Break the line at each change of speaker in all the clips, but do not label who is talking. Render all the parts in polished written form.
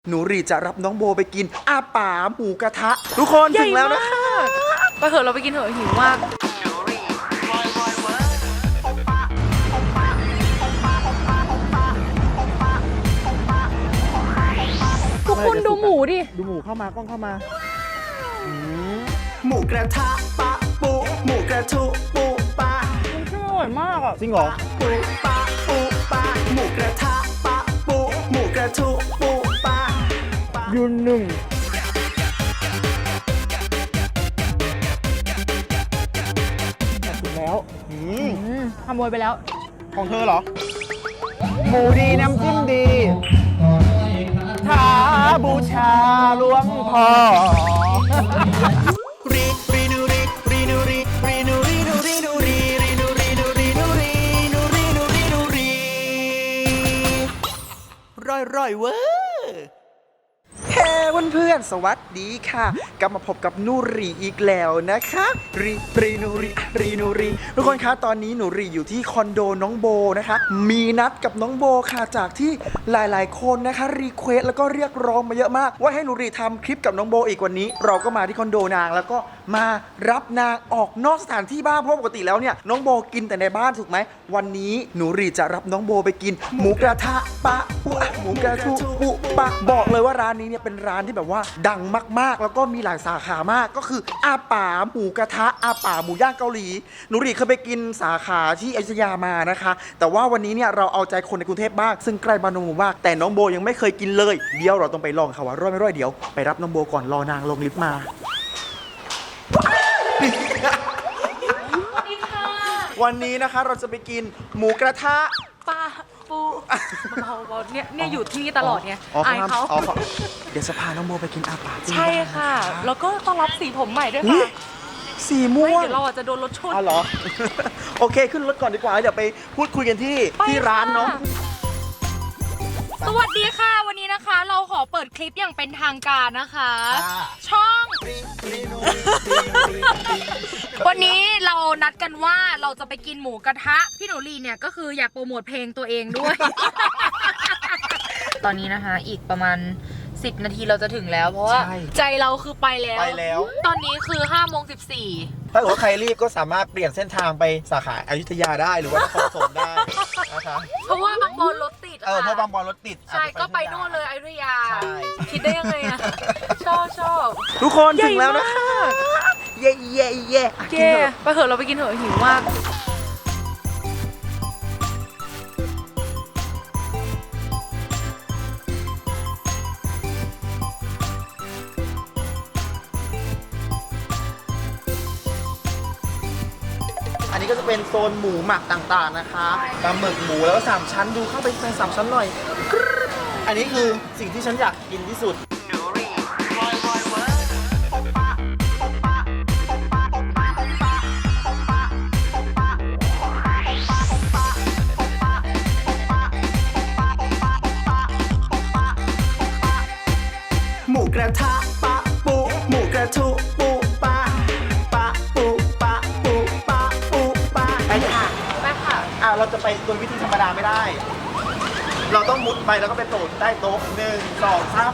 หนูรีจะรับน้องโบไปกินอาป่าหมูกระทะทุกคนถึงแล้วนะคะ
ไปเถอะเราไปกินเถอะหิวมากทุกคนดูหมูดิ
ดูหมูเข้ามากล้องเข้ามา
หมูกระทะปะปูหมูกระทุปูปะ
มันชื่ออร่อยมากอ่ะ
จริงเหรอ
ปูปะปูปะหมูกระทะปะปูหมูกระทุปูปะ
ยืนหนึ่งแล้ว
ขโมยไปแล้ว
ของเธอเหรอหมูดีน้ำจิ้มดีท้าบูชาหลวงพ่อ
รีรีนูรีรีนูรีรีนูรีนูรีนูรีรีนูรีนูรีนูรีนูรีนูรีนูรีร่อยเว้ย
เฮ้เพื่อนๆสวัสดีค่ะกลับมาพบกับนูรีอีกแล้วนะคะรีนูรีทุกคนคะตอนนี้หนูรีอยู่ที่คอนโดน้องโบนะคะมีนัดกับน้องโบค่ะจากที่หลายๆคนนะคะรีเควสแล้วก็เรียกร้องมาเยอะมากว่าให้หนูรีทำคลิปกับน้องโบอีกวันนี้เราก็มาที่คอนโดนางแล้วก็มารับนางออกนอกสถานที่บ้างเพราะปกติแล้วเนี่ยน้องโบกินแต่ในบ้านถูกไหมวันนี้หนูรีจะรับน้องโบไปกินหมูกระทะปะปุหมูกระทุปุปะบอกเลยว่าร้านนี้เนี่ยเป็นร้านที่แบบว่าดังมากๆแล้วก็มีหลายสาขามากก็คืออาป่าหมูกระทะอาป่าหมูย่างเกาหลีหนูรีเคยไปกินสาขาที่อยุธยามานะคะแต่ว่าวันนี้เนี่ยเราเอาใจคนในกรุงเทพบ้างซึ่งใกล้บ้านน้องโบมากแต่น้องโบยังไม่เคยกินเลยเดี๋ยวเราต้องไปลองค่ะว่าร่อยไม่ร่อยเดี๋ยวไปรับน้องโบก่อนรอนางลงลิฟต์มาวันนี้นะคะเราจะไปกินหมูกระทะ
ปลาปูเบาๆเนี่ยอยู่ที่นี่ตลอดไงอายเขา
เดี๋ยวจะพาน้องโบไปกินอาป่า
ใช่ค่ะแล้วก็ต้อนรับสีผมใหม่ด้วยค่ะ
สีม่วง
เดี๋ยวเราจะโดนรถชน
อ๋อเหรอโอเคขึ้นรถก่อนดีกว่าเดี๋ยวไปพูดคุยกันที่ร้านเนาะ
สวัสดีค่ะวันนี้นะคะเราขอเปิดคลิปอย่างเป็นทางการนะคะช่องวันนี้เรานัดกันว่าเราจะไปกินหมูกระทะพี่หนูลีเนี่ยก็คืออยากโปรโมทเพลงตัวเองด้วยตอนนี้นะคะอีกประมาณ10 นาทีเราจะถึงแล้วเพราะว่าใจเราคือไปแล้วตอนนี้คือ5:14
ถ้าเกิดว่าใครรีบก็สามารถเปลี่ยนเส้นทางไปสาขาอยุธยาได้หรือว่านครปฐมได้นะคะ
เพราะว่าบางบอนรถติด
เพราะบางบอนรถติด
ใช่ก็ไปนู่นเลยอยุธยาคิดได้ยังไงอะชอบ
ทุกคนถึงแล้วนะคะเย่
ไปเถอะเราไปกินเถอะหิวมาก
อันนี้ก็จะเป็นโซนหมูหมักต่างๆนะคะปลาหมึกหมูแล้วก็3ชั้นดูเข้าไปใน3ชั้นหน่อยอันนี้คือสิ่งที่ฉันอยากกินที่สุด
หมูกระทะปะปูหมูกระทุปูปะปะปูปะปูปะปูปะ
ไปค่ะเราจะไปโดยวิธีธรรมดาไม่ได้เราต้องมุดไปแล้วก็ไปโต๊ะใต้โต๊ะ1 2 3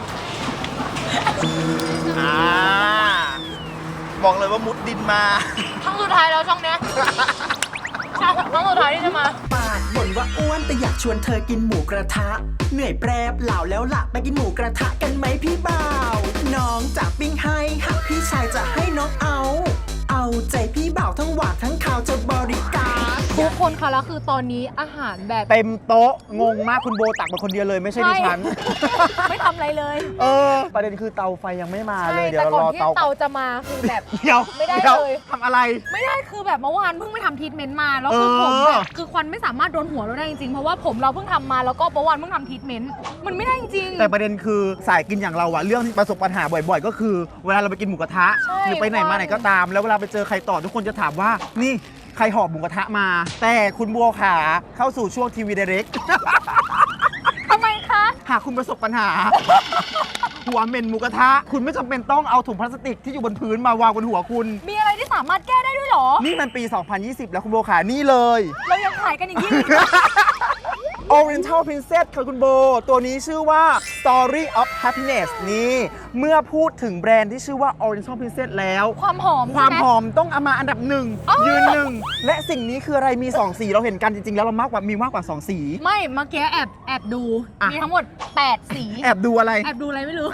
บอกเลยว่ามุดดินมา
ช่องสุดท้ายแล้วช่องเนี้ยช่องสุดท้ายที่จะมา
ปากบ่นว่าอ้วนแต่อยากชวนเธอกินหมูกระทะเหนื่อยแปรบเหล่าแล้วล่ะไปกินหมูกระทะกันไหมพี่บ่าวน้องจะปิ้งให้หากพี่ชายจะให้น้องเอาใจพี่บ่าวทั้งหวานทั้งข่าวจะบริการ
ทุกคนคะแล้วคือตอนนี้อาหารแบบ
เต็มโต๊ะงงมากคุณโบตักมาคนเดียวเลยไม่ใช่ดิฉัน
ไม่ทำอะไรเลย
ประเด็นคือเตาไฟยังไม่มาเลย
เดี๋ยวรอเตาจะมาคือแบบไม่ได้เลย
ทำอะไร
ไม่ได้คือแบบเมื่อวานเพิ่งไปทำทรีทเมนต์มาแล้วคือผมแบบคือควันไม่สามารถโดนหัวเราได้จริงๆเพราะว่าผมเราเพิ่งทำมาแล้วก็เมื่อวานเพิ่งทำทรีทเมนต์มันไม่ได้จริง
แต่ประเด็นคือสายกินอย่างเราอะเรื่องที่ประสบปัญหาบ่อยๆก็คือเวลาเราไปกินหมูกระทะหรือไปไหนมาไหนก็ตามแล้วเวลาไปเจอใครต่อทุกคนจะถามว่านี่ใครหอบหมูกระทะมาแต่คุณบัวขาเข้าสู่ช่วงทีวีไดเรก
ทำไมคะ
หากคุณประสบปัญหาหัวเหม็นหมูกระทะคุณไม่จำเป็นต้องเอาถุงพลาสติกที่อยู่บนพื้นมาวางบนหัวคุณ
มีอะไรที่สามารถแก้ได้ด้วยหรอ
นี่มันปี2020แล้วคุณบัวขานี่เลย
เรายังขายกันอย่างนี้
Oriental Princess ค่ะคุณโบ ตัวนี้ชื่อว่า Story of Happiness นี่ เมื่อพูดถึงแบรนด์ที่ชื่อว่า Oriental Princess แล้ว
ความหอม
ความ
ใช่ไห
หอมต้องเอามาอันดับหนึ่ง
อ๋อ
ยืนหนึ่ง และสิ่งนี้คืออะไรมี 2 สีเราเห็นกันจริงๆ แล้วเรามีมากกว่า 2 สี
ไม่เมื่อกี้แอบดู
อ่ะ
มีทั้งหมด 8 สี
แอบดูอะไร
แอบดูอะไรไม่รู้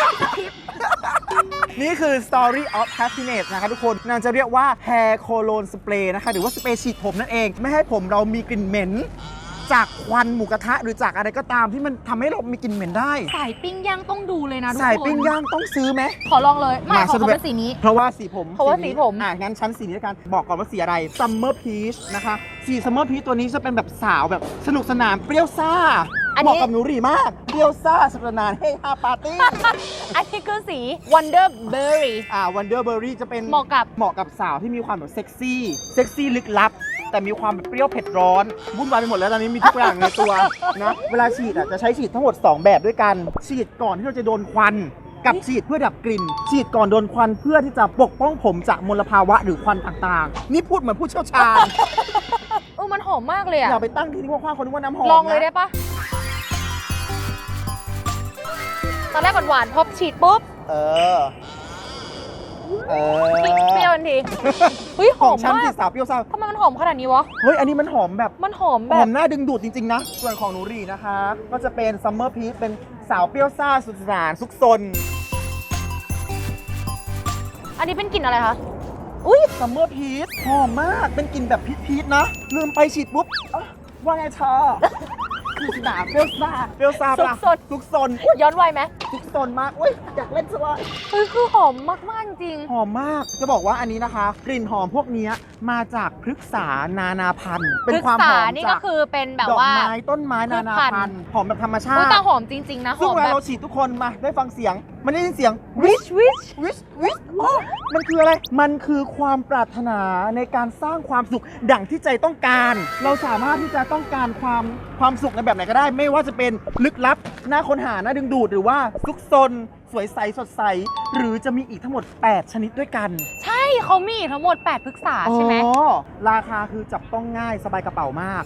นี่คือ Story of Happiness นะคะทุกคนนางจะเรียกว่า Hair Cologne Spray นะคะ หรือว่าสเปรย์ฉีดผมนั่นเอง ไม่ให้ผมเรามีกลิ่นเหม็น จากควันหมูกระทะหรือจากอะไรก็ตามที่มันทำให้เรามีกลิ่นเหม็นได้
สายปิ้งย่างต้องดูเลยนะทุกคน
สายปิ้งย่างต้องซื้อไหม
ขอลองเลย ไม่ขอ
ฉัน
เขา
ดู
เป็นสีนี้
เพราะว่าสีผม
เพราะว่าสีผม
งั้นชั้นสีนี้แล้วกันบอกก่อนว่าสีอะไร Summer Peach นะคะสี Summer Peach ตัวนี้จะเป็นแบบสาวแบบสนุกสนานเปรี้ยวซ่า
อัน
เห
นี้
มาะกับหนูหรีมาก เปรี้ยวซ่าสนุกสนานเฮฮาปาร์ตี้
อันนี้คือสี Wonder Berry
Wonder Berry จะเป็น
เหมาะกับ
สาวที่มีความแบบเซ็กซี่ลึกลับ แต่มีความแบบเปรี้ยวเผ็ดร้อนวุ่นวายไปหมดแล้วตอนนี้มีทุกอย่างในตัวนะเวลาฉีดจะใช้ฉีดทั้งหมด 2 แบบด้วยกัน ฉีดก่อนที่เราจะโดนควัน กับฉีดเพื่อดับกลิ่น ฉีดก่อนโดนควันเพื่อที่จะปกป้องผมจากมลภาวะหรือควันต่างๆ นี่พูดเหมือนผู้เชี่ยวชาญ
มันหอมมากเลยอะ
อย่าไปตั้งที่กว้างๆคนนึกว่าน้ำหอม
ลองเลย
นะ
ได้ปะตอนแรกหวานๆพอฉีดปุ๊บ
เออ
เปรี้ยวทันที เฮ้ยห
ข
อ
อง
ม
ฉัน
มา
สี
ก
สาวเปรี้ยวซ่า
ทำไมมันหอมขนาดนี้วะ
เฮ้ยอันนี้มันหอมแบบ
มันหอมแบ
หอบ มน่าดึงดูดจริง ๆ นะ ส่วนของหนูหรีนะคะ ก็จะเป็นซัมเมอร์พีชเป็นสาวเปรี้ยวซ่าสุดสนานซุกซน
อันนี้เป็นกลิ่นอะไรคะ อุ้ย
ซัมเมอร์พีชหอมมากเป็นกลิ่นแบบพีชๆนะ ลืมไปฉีดปุ๊บเอ้าว่าไงเธอคือสนามเปรี้ยวซ่าปะล่ะซุกซนอุ๊ย
ย้อนวัยไหม
ซุกซนมากอุ้ยอยากเล่นซะว่า
เฮ้ยคือหอมมากๆจริง
หอมมาก จะบอกว่าอันนี้นะคะ กลิ่นหอมพวกนี้มาจากพฤกษานานาพันธุ์ เป็นความหอม
นี่
จา
ก็
ก
คือเป็นแบบ
ดอก
ว่า
ไม้ต้นไม้นานาพันธุ์หอมแบบธรรมชา
อุ้ย
ติ
แต่หอมจริง ๆ นะห
ซึ่ง
อม
เวลา
แบบ
เราฉีดทุกคนมาได้ฟังเสียง มันได้ยินเสียง
วิช
วิชอ๋อมันคืออะไร มันคือความปรารถนาในการสร้างความสุขดั่งที่ใจต้องการ เราสามารถที่จะต้องการความสุขในแบบไหนก็ได้ ไม่ว่าจะเป็นลึกลับน่าค้นหาน่าดึงดูดหรือว่าซุกซนสวยใสสดใส หรือจะมีอีกทั้งหมด 8 ชนิดด้วยกัน
ใช่เขามีทั้งหมด 8 พฤกษาใช่ไหม
อ๋อราคาคือจับต้องง่ายสบายกระเป๋ามาก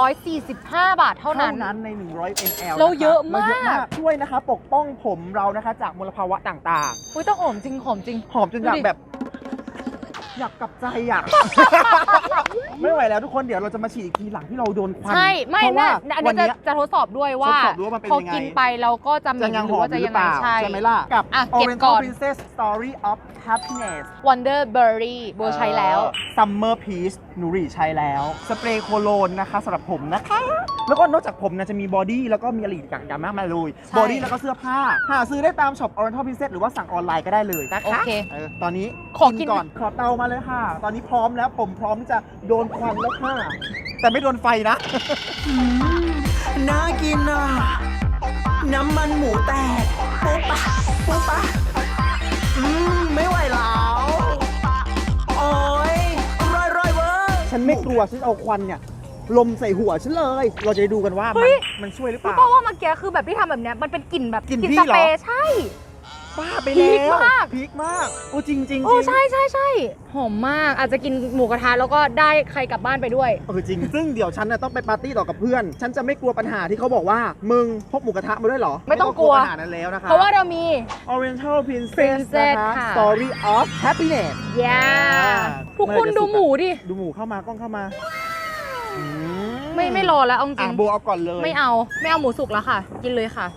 145 บาทเท่านั้น
ใน 100 ml
เราเยอะมาก
เราเยอะมากช่วยนะคะ ปกป้องผมเรานะคะจากมลภาวะต่างๆ
อุ้ยแต่หอมจริงหอมจริง
หอมจนอยาก
ดูดิ
แบบ อยากกลับใจอยาก ไม่ไหวแล้วทุกคนเดี๋ยวเราจะมาฉีดอีกทีหลังที่เราโดนควัน
ใช่ไม่
เพราะว่า
นะอัน
วั
นี้
น
จะ
เนี้ย
จะทดสอบด้วยว่า
ทดสอบดูว่ามันเป็น
พอ
ยังไง
กินไปเราก็จะเหม็
จะ
น
ยัง
ห
ห
รือ
อม
ว่า
อ
จะ
ยู่ห
ยั
รื
ง
อ
ไง
เปล่า
ใช่
ใช่ไหมล่ะกับ
อ่ะเก็บ
Oriental
ก่อน
Princess Story of Happiness
Wonder Berry โบใช้แล้ว
Summer Peach หนูหรีใช้แล้ว สเปรย์โคโลนนะคะสำหรับผมนะคะ แล้วก็นอกจากผมนะจะมีบอดี้แล้วก็มีอะไรอีกอย่างมากมายเลย
ใช่
บอดี้แล้วก็เสื้อผ้า หาซื้อได้ตามช็อป Oriental Princess หรือว่าสั่งออนไลน์ก็ได้เลยนะคะ
โอเค
ตอนนี้
ขอกิน
ก่อน ขอเตามาเลยค่ะ ตอนนี้พร้อมแล้วผมพร้อมที่จะโดนควันแล้วค่ะ แต่ไม่โดนไฟนะ
น่ากินอ่ะ น้ำมันหมูแตกปุ๊บปะปุ๊บปะไม่ไหวแล้ว โอ้ยร่อยเวอร์
ฉันไม่กลัว ฉันเอาควันเนี่ย ลมใส่หัวฉันเลย เราจะได้ดูกันว่า
เฮ้ย
มันช่วยหรือเป
รู้
ล่า
ป่าวว่าเมื่อกี้คือแบบที่ทำแบบเนี้ยมันเป็นกลิ่นแบบ
กลิ่น
ส
พี่
เป
เหรอ
รย์ใช่
บ้าไป
พี
แล้
คว มาก
พีคมาก โอ้จริงจริง
โอ้ใช่หอมมากอาจจะกินหมูกระทะแล้วก็ได้ใครกลับบ้านไปด้วย
จริง ซึ่งเดี๋ยวฉันน่ะต้องไปปาร์ตี้ต่อกับเพื่อน ฉันจะไม่กลัวปัญหาที่เขาบอกว่า มึงพกหมูกระทะมาด้วยเหรอ
ไม่ต้องกลัว
ปัญหานั้นแล้วนะคะ
เพราะว่าเรามี
Oriental Princess
Princess
นะคะ
ค่ะ
Story of Happiness
ย่า
อ่า
ทุกคน
เมื่อไหร่จะ
ดูหมูดิ
ดูหมูเข้ามากล้องเข้ามาอื
ไม่รอแล้วเอาจริ
อ่ะ
ง
โบเอาก่อนเลย
ไม่เอาหมูสุกแล้วค่ะ กินเลยค่ะ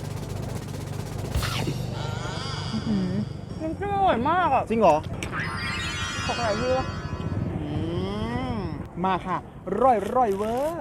มันอร่อยมากอ่ะ
จริงเหรอ
ขออะไรพี่วะ
อืมมาค่ะ ร่อยเวอร์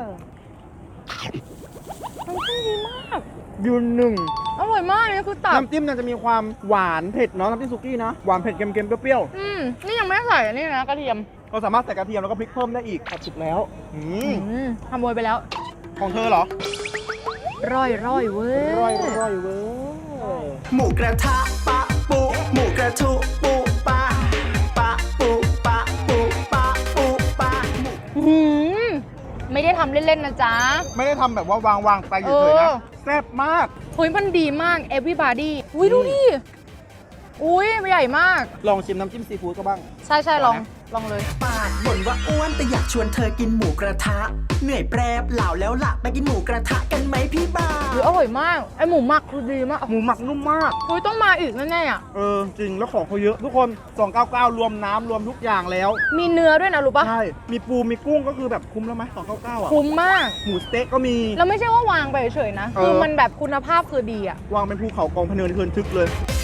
มันขึ้นดีมาก
ยืนหนึ่ง
อร่อยมากนี่คือตับ
น้ำจิ้มน่าจะมีความหวานเผ็ดเนาะน้ำจิ้มสุกี้นะหวานเผ็ดเค็มๆเปรี้ยว
นี่ยังไม่ได้ใส่อันนี่นะกระเทียม
ๆเราสามารถใส่กระเทียมแล้วก็พริกเพิ่มได้อีกสุกแล้ว
ขโมยไปแล้ว
ของเธอเหรอ
ร่อยเว้ย
ร่อยเวอร์
หมูกระทะปะปุหมูกระทุปุปะปะปุปะปุปะปุปะหมู
ไม่ได้ทำเล่นๆนะจ๊ะ
ไม่ได้ทำแบบว่าวางไปเฉยๆนะแซ่บมาก
เฮ้ยมันดีมาก everybody อุ้ยดูดิอุ้ยใหญ่มาก
ลองชิมน้ำจิ้มซีฟู้ดก็บ้าง
ใช่ลองเลย
ปากบ่นว่าอ้วนแต่อยากชวนเธอกินหมูกระทะ เหนื่อยแปรบเหล่าแล้วล่ะไปกินหมูกระทะกันไหมพี่บ่าว
หรืออร่อยมากไอหมูหมักคือดีมาก
หมูหมักนุ่มมาก
อุ้ยต้องมาอีกแน่ๆอ่ะ
จริงแล้วของเขาเยอะทุกคน 299 รวมน้ำรวมทุกอย่างแล้ว
มีเนื้อด้วยนะรู้ปะ
ใช่ มีปูมีกุ้งก็คือแบบคุ้มแล้วไหม299อ่ะ
คุ้มมาก
หมูสเต็กก็มี
แล้วไม่ใช่ว่าวางไปเฉยๆนะ คือมันแบบคุณภาพคือดีอ่ะ
วางเป็นภูเขากองพะเนินเทินทึกเลย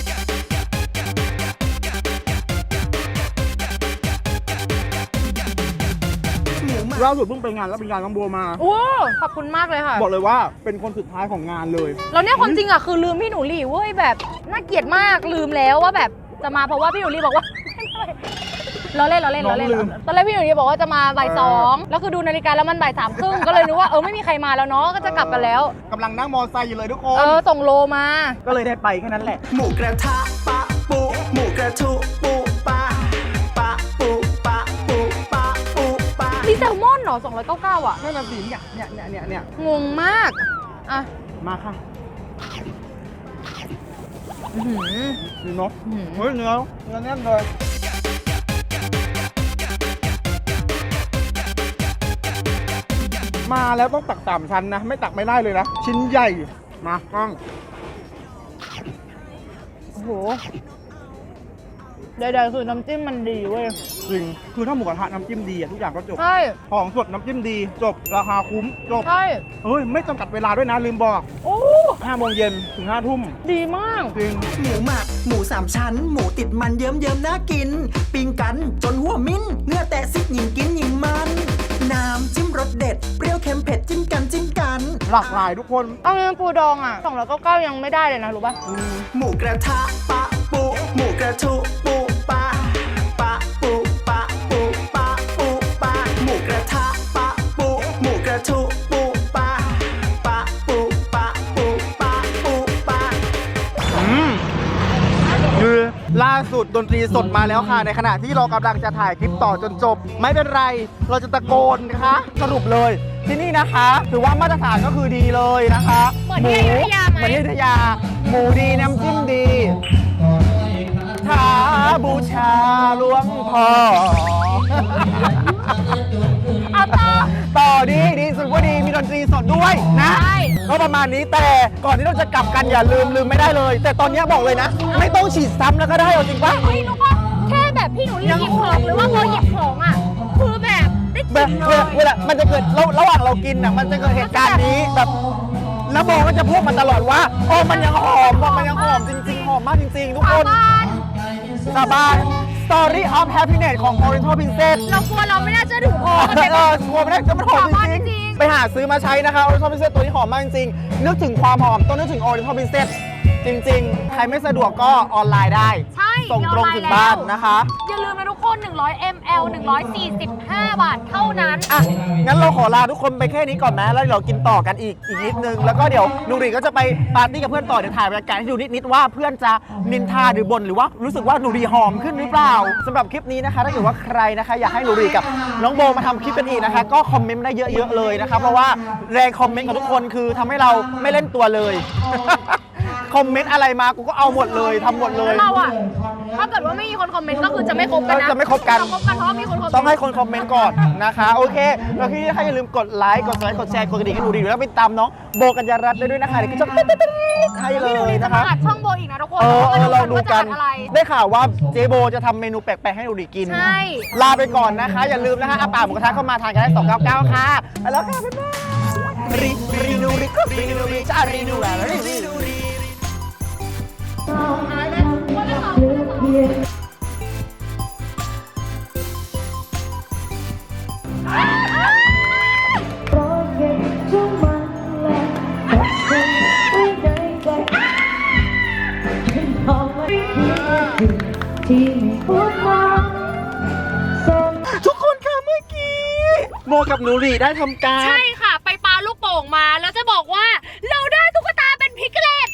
หมูหมัก
ล่าสุดเพิ่งไปงานแล้วเป็นงานน้องบัวมา
โอ้ขอบคุณมากเลยค่ะ
บอกเลยว่าเป็นคนสุดท้ายของงานเลย
แล้วเนี่ยคนจริงอ่ะคือลืมพี่หนูหลี่เว้ยแบบน่าเกลียดมากลืมแล้วว่าแบบจะมาเพราะว่าพี่หนูหลี่บอกว่า เราเล่น
น้องลืม
ตอนแรกพี่หนูหลี่บอกว่าจะมาบ่ายสองแล้วคือดูนาฬิกาแล้วมันบ่ายสามครึ่งก็เลยนึกว่าไม่มีใครมาแล้วเนาะก็จะกลับกันแล้ว
กำลังนั่งมอไซค์อยู่เลยทุกคน
ส่งโลมา
ก็เลยได้ไปแค่นั้นแหละ
หมูกระทะปะปูหมูกระทุปูปะปะปูปะปูปะปูปะ
มีแซลมอนเหรอ299อ่ะ
นั่นน่ะสิเนี่ย
งงมากอ่ะ
มาค่ะ
อื้อหือ
ดีเนาะ
อื้อหือ
เฮ้ยเนื้อแน่นเลย มาแล้วต้องตัก3ชั้นนะ ไม่ตักไม่ได้เลยนะ ชิ้นใหญ่ มากล้อง
โอ้โหใดๆคือน้ำจิ้มมันดีเว้ย
จริง คือถ้าหมูกระทะน้ำจิ้มดีอะทุกอย่างก็จบ
ใช่
ของสดน้ำจิ้มดีจบ ราคาคุ้มจบ
ใช่
เฮ้ย ไม่จำกัดเวลาด้วยนะ ลืมบอก
โอ้
5 โมงเย็นถึง 5 ทุ่ม
ดีมาก
จริง
หมูหมักหมูสามชั้น หมูติดมันเยิ้มๆน่ากิน ปิ้งกันจนหัวมิ้นเนื้อแตะซิกหญิงกินหญิงมัน น้ำจิ้มรสเด็ด เปรี้ยวเค็มเผ็ดจิ้มกันจิ้มกัน
หลากหลายทุกคน
เอาเนื้อปูดองอ่ะ299ยังไม่ได้เลยนะรู้ป่ะ
หมูกระทะปะปูหมูกระทุปูปะปะปูปะปูปะปูปะหมูกระทะปะปูหมูกระทุปูปะปะปูปะปูปะปูปะ
คือล่าสุดดนตรีสดมาแล้วค่ะ ในขณะที่เรากำลังจะถ่ายคลิปต่อจนจบ ไม่เป็นไร เราจะตะโกนนะคะสรุปเลย ที่นี่นะคะ ถือว่ามาตรฐานก็คือดีเลยนะคะ
เหมือนที่อยุธยาไหม
เหมือนที่อยุธยา หมูดีน้ำจิ้มดีท้าบูชาหลวงพ่อ
เอาต่อ
ดีสุดว่าดีมีดนตรีสดด้วยนะ
ใช่
ก็ประมาณนี้แต่ก่อนที่เราจะกลับกันอย่าลืมไม่ได้เลย แต่ตอนนี้บอกเลยนะ ไม่ต้องฉีดซ้ำแล้วก็ได้เอาจริงปะ
เฮ้ยนุ๊กว่าแค่แบบพี่หนูหยิบของหรือว่าพอหยิบของอ่ะคือแบบได้ก
แบ
ลิ่
บ
นเลย
เวลามันจะเกิดระหว่างเรากินน่ะมันจะเกิดเหตุการณ์นี้แบบแล้วโบก็จะพูดมาตลอดว่าโอ้มันยังหอมมันยังหอมจริงๆหอมมากจริงๆทุกคน
บ้าน
สาบาน Story of Happiness ของ Oriental Princess
เรากลัวเราไม่น่าเชื่อถือพอกันเลย
กลัวไม่ได้จะมันหอม
หอมมาก
จ
จริ
ริง
ง
ๆ ไปหาซื้อมาใช้นะคะ Oriental Princess ตัวนี้หอมมากจริงๆนึกถึงความหอมต้องนึกถึง Oriental Princess จริงๆ ใครไม่สะดวกก็ออนไลน์ได้
ใช่
ส่งตรงถึงบ้านนะคะ
อย่าลืมนะทุกคน100 ml 145 บาทเท่านั้น
อ่ะ งั้นเราขอลาทุกคนไปแค่นี้ก่อนนะแล้วเดี๋ยวเรากินต่อกันอีกนิดนึง แล้วก็เดี๋ยวนูรีก็จะไปปาร์ตี้กับเพื่อนต่อ เดี๋ยวถ่ายบรรยากาศให้ดูนิดๆว่าเพื่อนจะนินทาหรือบ่นหรือว่ารู้สึกว่านูรีหอมขึ้นหรือเปล่าสำหรับคลิปนี้นะคะ ถ้าเกิดว่าใครนะคะอยากให้นูรีกับน้องโบมาทำคลิปกันอีกนะคะ ก็คอมเมนต์ได้เยอะๆเลยนะคะเพราะว่าแรงคอมเมนต์ของทุกคนคือทำให้เราไม่เล่นตัวเลย คอมเมนต์อะไรมากูก็เอาหมดเลยทำหมดเลย
เราอะถ้าเกิดว่าไม่มีคนคอมเมนต์ก็คือจะไม่คบกันนะ
จะไม่คบกัน
เราคบกันเพราะว่ามีคนคอมเมนต์
ต้องให้คนคอมเมนต์ก่อนนะคะ โอเค แล้วที่นี่อย่าลืมกดไลค์ กดแชร์ กดกระดิ่งให้หนูดีแล้วไปตามน้องโบกัญญารัตน์ได้ด้วยนะคะเดี๋ยวก็จะให้เล
พี่หนู
ย
นี่จะ
นะ
มา
คะ
อัดช่องโบอีกนะทุกคน
ลองดูกัน
ว่าจะอัอะไร
ได้ข่าวว่าเจโบจะทำเมนูแปลกๆให้หนูดีกิน
ใช่
ลาไปก่อนนะคะ อย่าลืมนะคะอาป่าหมูกระทะเข้ามาทานกันได้299ค่ะไปแล้วค่ะบ๊ายบายรีนูรีจ้ารีนูอะไรรีนูรี
เพราะเก็บทุกมันและแต่คงไม่ได้ใจฉันทำไม่ผิดที่ไม่พูดมาส่ง
ทุกคนค่ะเมื่อกี้โมกับหนูรีได้ทำการ
ใช่ค่ะ ไปปาลูกโป่งมาแล้วจะบอกว่าเราได้ตุ๊กตาเป็นพิกเลต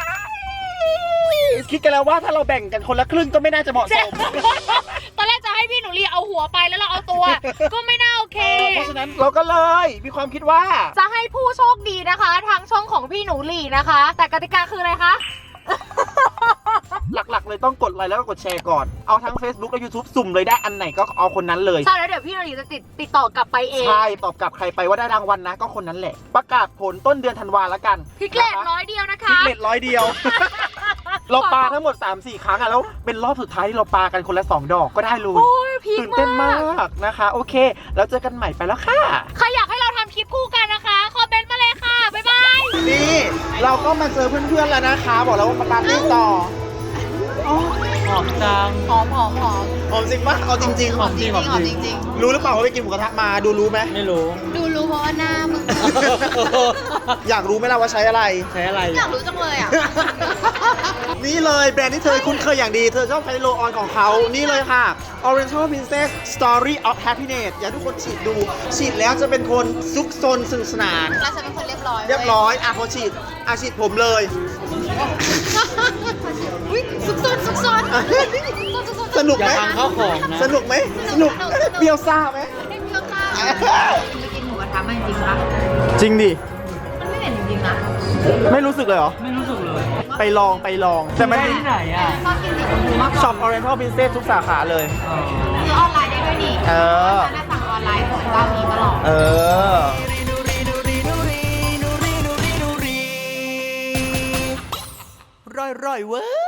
คิดกันแล้วว่าถ้าเราแบ่งกันคนละครึ่งก็ไม่น่าจะเหมาะสม
ตอนแรกจะให้พี่หนูเรียเอาหัวไปแล้วเราเอาตัว ก็ไม่น่าโอเค
เพราะฉะนั้นเราก็เลยมีความคิดว่า
จะให้ผู้โชคดีนะคะ ทางช่องของพี่หนูหลี่นะคะ แต่กติกาคืออะไรคะ
หลักๆเลยต้องกดไลค์แล้วก็กดแชร์ก่อนเอาทั้ง Facebook และ YouTube สุ่มเลยได้อันไหนก็เอาคนนั้นเลย
ใช่แล้วเดี๋ยวพี่โนรีจะติดต่อกลับไปเอง
ใช่ตอบกลับใครไปว่าได้รางวัลนะก็คนนั้นแหละประกาศผลต้นเดือนธันวาแล้วกัน
พิกเลต100 เดียวนะคะ
พิกเลต100 เดียว เราปาทั้งหมด 3-4 ครั้งอะแล้วเป็นรอบสุดท้ายที่เราปากันคนละ2 ดอกก็ได้เลย
โอ้ยพีค
ตื่นเต้น
มาม
าก กนะคะโอเคแล้วเจอกันใหม่ไปแล้วค่ะ
ใครอยากให้เราทำคลิปคู่กันนะคะคอมเมนต์มาเลยค่ะบ๊ายบาย
นี่เราก็มาเจอเพื่อนๆแล้วนะคะ บอกแล้วว่ามาปาร์ตี้ต่อ
หอมจัง
หอม
หอมจริงปะเอาจริงๆ
หอมจริงหอมจริง
รู้หรือเปล่าว่าไปกินหมูกระทะมาดูรู้ไหม
ไม่รู้
ดูรู้เพราะว่าหน้ามึง
อยากรู้ไหมล่ะว่าใช้อะไร
ใช้อะไร
อยากรู้จังเลยอ่ะ
นี่เลยแบรนด์ที่เธอคุ้นเคยอย่างดี เธอชอบใช้โลออนของเขา นี่เลยค่ะ Oriental Princess Story of Happiness อยากให้ทุกคนฉีดดู ฉีดแล้วจะเป็นคนซุกซนสนุกสนาน
เราจะเป็นคนเรียบร้อย
เรียบร้อยอ่ะพอฉีดฉีดผมเลย
อุ้ยซุกซน
สนุกไหม
อย่าพังข้าวของนะ
สนุกไหมสนุกเปรี้ยวซ่าไหม
ไม่เพี้ยวข้าวจะกินหมูกระทะมันจริงปะ
จริงดิ
มันไม่เห็นจริงๆนะ
ไม่รู้สึกเลยเหรอ
ไม่รู้สึกเลย
ไปลองแต่มัน
ที่ไหนอ่ะ
ชอบกินสีชมพูมากกว่า
ช็อป Oriental Princess ทุกสาขาเลย
ซื้อออนไลน์ได้ด้วยนี่
เออ
ฉันน่ะสั่งออนไลน์ของเจ้านี้ตลอด
เออร่อยเว้ย